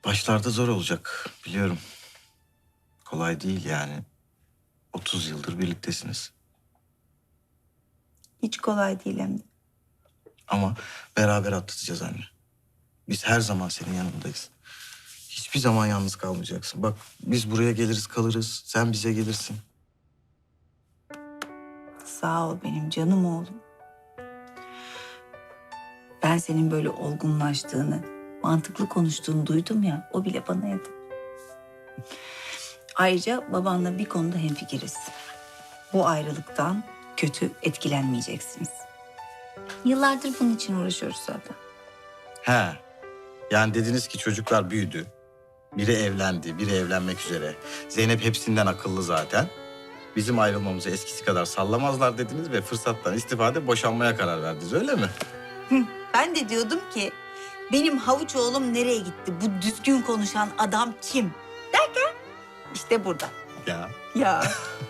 Başlarda zor olacak biliyorum. Kolay değil yani. 30 yıldır birliktesiniz. Hiç kolay değil hem de. Ama beraber atlatacağız anne. Biz her zaman senin yanındayız. Hiçbir zaman yalnız kalmayacaksın. Bak biz buraya geliriz kalırız. Sen bize gelirsin. Sağ ol benim canım oğlum. Ben senin böyle olgunlaştığını, mantıklı konuştuğunu duydum ya, o bile bana yeter. Ayrıca babanla bir konuda hemfikiriz. Bu ayrılıktan kötü etkilenmeyeceksiniz. Yıllardır bunun için uğraşıyoruz zaten. He. Yani dediniz ki çocuklar büyüdü. Biri evlendi, biri evlenmek üzere. Zeynep hepsinden akıllı zaten. Bizim ayrılmamızı eskisi kadar sallamazlar dediniz ve fırsattan istifade boşanmaya karar verdiniz öyle mi? Ben de diyordum ki benim havuç oğlum nereye gitti? Bu düzgün konuşan adam kim? Derken işte burada. Ya. Ya.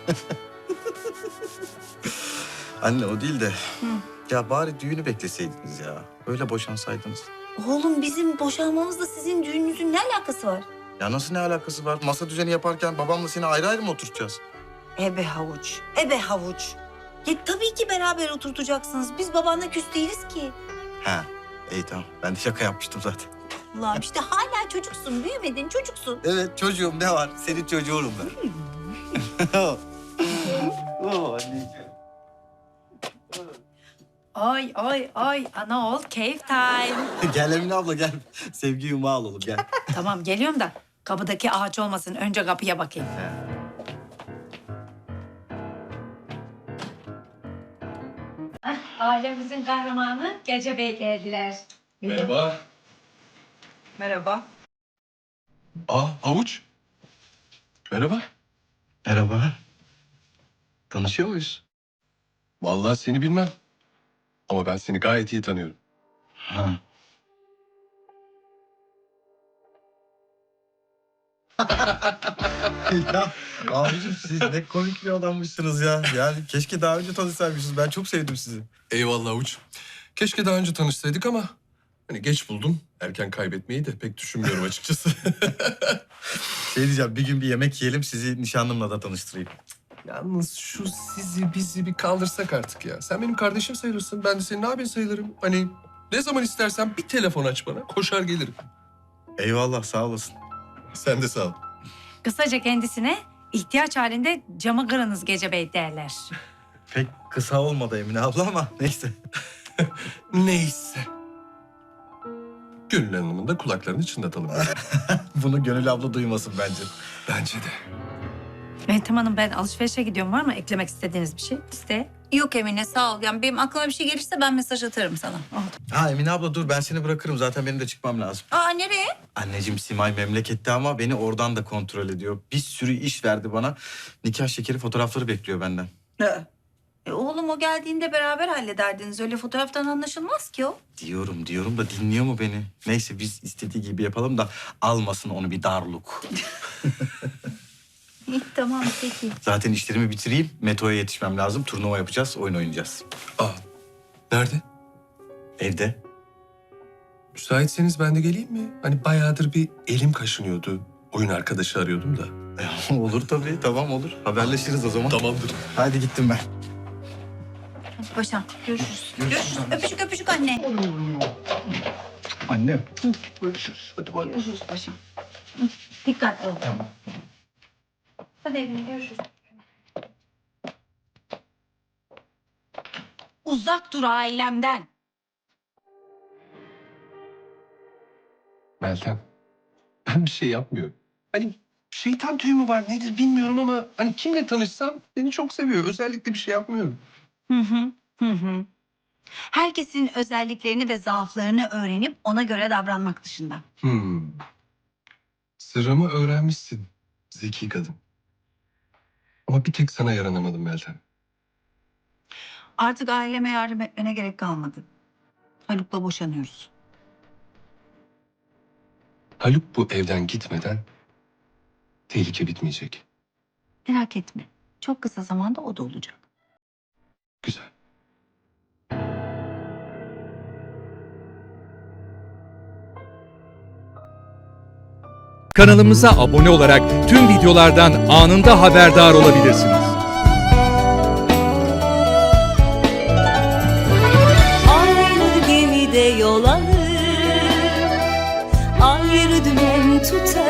Anne o değil de. Ya bari düğünü bekleseydiniz ya. Öyle boşansaydınız. Oğlum bizim boşanmamızla sizin düğününüzün ne alakası var? Ya nasıl ne alakası var? Masa düzeni yaparken babamla seni ayrı ayrı mı oturtacağız? Ebe havuç, ebe havuç. Ya tabii ki beraber oturtacaksınız. Biz babanla küs değiliz ki. He. İyi tamam. Ben de şaka yapmıştım zaten. Allah'ım işte hala çocuksun, büyümedin, çocuksun. Evet çocuğum ne var? Senin çocuğunum ben. Oh, anneciğim. Ay ay ay ana ol keyif time. Gel Emine abla gel. Sevgi yumağı alalım gel. Tamam geliyorum da kapıdaki ağaç olmasın. Önce kapıya bakayım. Ailemizin kahramanı Gece Bey geldiler. Merhaba. Merhaba. Havuç. Merhaba. Merhaba. Tanışıyor muyuz? Vallahi seni bilmem. Ama ben seni gayet iyi tanıyorum. Ha. Ya abicim siz ne komik bir adammışsınız ya. Yani keşke daha önce tanışsaymışız. Ben çok sevdim sizi. Eyvallah Havuç. Keşke daha önce tanışsaydık ama hani geç buldum. Erken kaybetmeyi de pek düşünmüyorum açıkçası. Şey diyeceğim bir gün bir yemek yiyelim sizi nişanlımla da tanıştırayım. Yalnız şu sizi bizi bir kaldırsak artık ya. Sen benim kardeşim sayılırsın. Ben de senin abin sayılırım. Hani ne zaman istersen bir telefon aç bana. Koşar gelirim. Eyvallah sağ olasın. Sen de sağ ol. Kısaca kendisine ihtiyaç halinde camı kırınız Gece Bey derler. Pek kısa olmadı Emine abla ama neyse. Neyse. Gönül Hanım'ın da kulaklarını çınlatalım. Bunu Gönül abla duymasın bence. Bence de. Meltem Hanım ben alışverişe gidiyorum. Var mı eklemek istediğiniz bir şey? İste. Yok Emine sağ ol. Yani benim aklıma bir şey gelirse ben mesaj atarım sana. Ha Emine abla dur ben seni bırakırım. Zaten benim de çıkmam lazım. Aa nereye? Anneciğim Simay memlekette ama beni oradan da kontrol ediyor. Bir sürü iş verdi bana. Nikah şekeri fotoğrafları bekliyor benden. Oğlum o geldiğinde beraber hallederdiniz. Öyle fotoğraftan anlaşılmaz ki o. Diyorum da dinliyor mu beni? Neyse biz istediği gibi yapalım da almasın onu bir darluk. İyi tamam peki. Zaten işlerimi bitireyim. Meto'ya yetişmem lazım. Turnuva yapacağız, oyun oynayacağız. Nerede? Evde. Müsaitseniz ben de geleyim mi? Hani bayağıdır bir elim kaşınıyordu. Oyun arkadaşı arıyordum da. Olur tabii, tamam olur. Haberleşiriz o zaman. Tamamdır. Hadi gittim ben. Hadi paşam görüşürüz. Görüşürüz. Öpücük öpücük anne. Anne. Görüşürüz. Hadi bay bay. Görüşürüz paşam. Dikkatli ol. Tamam. Hadi evine görüşürüz. Uzak dur ailemden. Meltem, ben bir şey yapmıyorum. Hani şeytan tüyü mü var nedir bilmiyorum ama hani kimle tanışsam beni çok seviyor. Özellikle bir şey yapmıyorum. Hı hı. Hı hı. Herkesin özelliklerini ve zaaflarını öğrenip ona göre davranmak dışında. Sırrımı öğrenmişsin zeki kadın. Ama bir tek sana yaranamadım Meltem. Artık aileme yardım etmene gerek kalmadı. Haluk'la boşanıyoruz. Haluk bu evden gitmeden tehlike bitmeyecek. Merak etme. Çok kısa zamanda o da olacak. Güzel. Kanalımıza abone olarak tüm videolardan anında haberdar olabilirsiniz. Aynı gemide yol alır, ayrı dümen tutar.